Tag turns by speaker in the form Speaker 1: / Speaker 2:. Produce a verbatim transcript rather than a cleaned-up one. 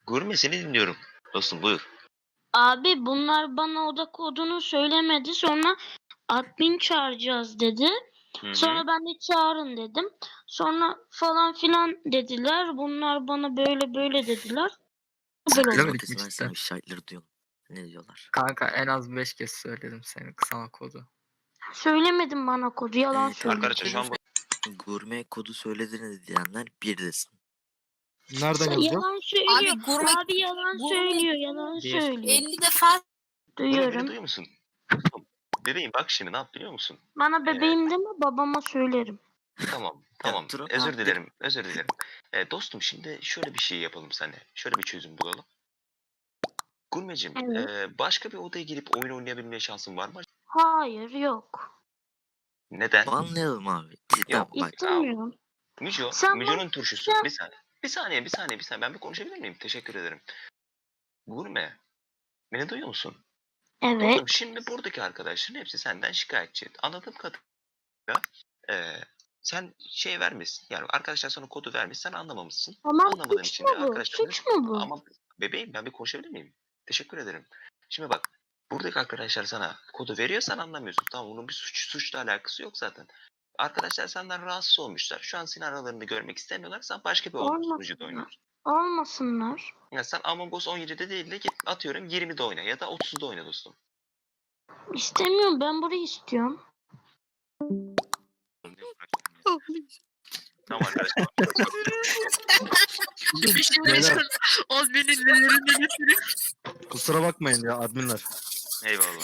Speaker 1: Gurme seni dinliyorum. Dostum buyur.
Speaker 2: Abi bunlar bana oda kodunu söylemedi. Sonra admin çağıracağız dedi.
Speaker 1: Hı hı.
Speaker 2: Sonra ben de çağırın dedim. Sonra falan filan dediler. Bunlar bana böyle böyle dediler. Böyle oldu.
Speaker 3: Söylemedik mi
Speaker 4: Herkes
Speaker 3: cidden?
Speaker 4: versene şahitleri diyorum. Ne diyorlar?
Speaker 3: Kanka en az beş kez söyledim senin sana kodu.
Speaker 2: Söylemedin bana kodu. Yalan
Speaker 4: Ee,
Speaker 2: söyledin.
Speaker 1: Arkadaşlar şu an bu-
Speaker 4: Gurme kodu söylediğini diyenler bir desin.
Speaker 5: Nereden yazacağım?
Speaker 2: Yalan söylüyor.
Speaker 6: Abi gurme,
Speaker 2: Abi yalan
Speaker 6: gurme
Speaker 2: söylüyor. Yalan
Speaker 3: Bir.
Speaker 2: söylüyor.
Speaker 6: elli defa
Speaker 1: Gurme beni
Speaker 2: Duyuyorum.
Speaker 1: duyuyor musun? Bebeğim bak şimdi ne yap biliyor musun?
Speaker 2: Bana bebeğim deme, babama söylerim.
Speaker 1: Tamam tamam
Speaker 4: Drop
Speaker 1: özür
Speaker 4: up.
Speaker 1: dilerim özür dilerim. Ee, dostum şimdi şöyle bir şey yapalım seninle. Şöyle bir çözüm bulalım. Gurmeciğim
Speaker 2: Evet.
Speaker 1: ee, başka bir odaya girip oyun oynayabilme şansın var mı?
Speaker 2: Hayır, yok.
Speaker 1: Neden?
Speaker 4: Banlayalım abi. Cidden
Speaker 1: Yok,
Speaker 4: bak.
Speaker 2: İstemiyorum.
Speaker 1: Müco,
Speaker 2: Sen
Speaker 1: Müco'nun turşusu.
Speaker 2: sen-
Speaker 1: Bir saniye. Bir saniye, bir saniye, bir saniye. Ben bir konuşabilir miyim? Teşekkür ederim. Gurme, beni duyuyor musun?
Speaker 2: Evet.
Speaker 1: Dostum şimdi buradaki arkadaşların hepsi senden şikayetçi. Anladığım kadarıyla eee sen şey vermişsin. Yani arkadaşlar sana kodu vermiş, sen anlamamışsın.
Speaker 2: Tamam,
Speaker 1: Anlamadığın
Speaker 2: suç
Speaker 1: için
Speaker 2: mu
Speaker 1: de
Speaker 2: bu?
Speaker 1: arkadaşlarına...
Speaker 2: Suç mu bu?
Speaker 1: Ama bebeğim ben bir konuşabilir miyim? Teşekkür ederim. Şimdi bak, buradaki arkadaşlar sana kodu veriyor, sen anlamıyorsun. Tamam, bunun bir suç suçla alakası yok zaten. Arkadaşlar senden rahatsız olmuşlar. Şu an senin aralarını görmek istemiyorlar. Sen başka bir
Speaker 2: Olmasın
Speaker 1: sunucuda
Speaker 2: ya.
Speaker 1: oynuyorsun.
Speaker 2: Olmasınlar.
Speaker 1: Ya sen Among Us on yedide değil de git atıyorum yirmide oyna ya da otuzda oyna dostum.
Speaker 2: İstemiyorum. Ben burayı istiyorum.
Speaker 1: Tamam arkadaşlar.
Speaker 5: Beyler,
Speaker 3: Az benim ellerimden
Speaker 5: kusura bakmayın ya adminler.
Speaker 1: Eyvallah.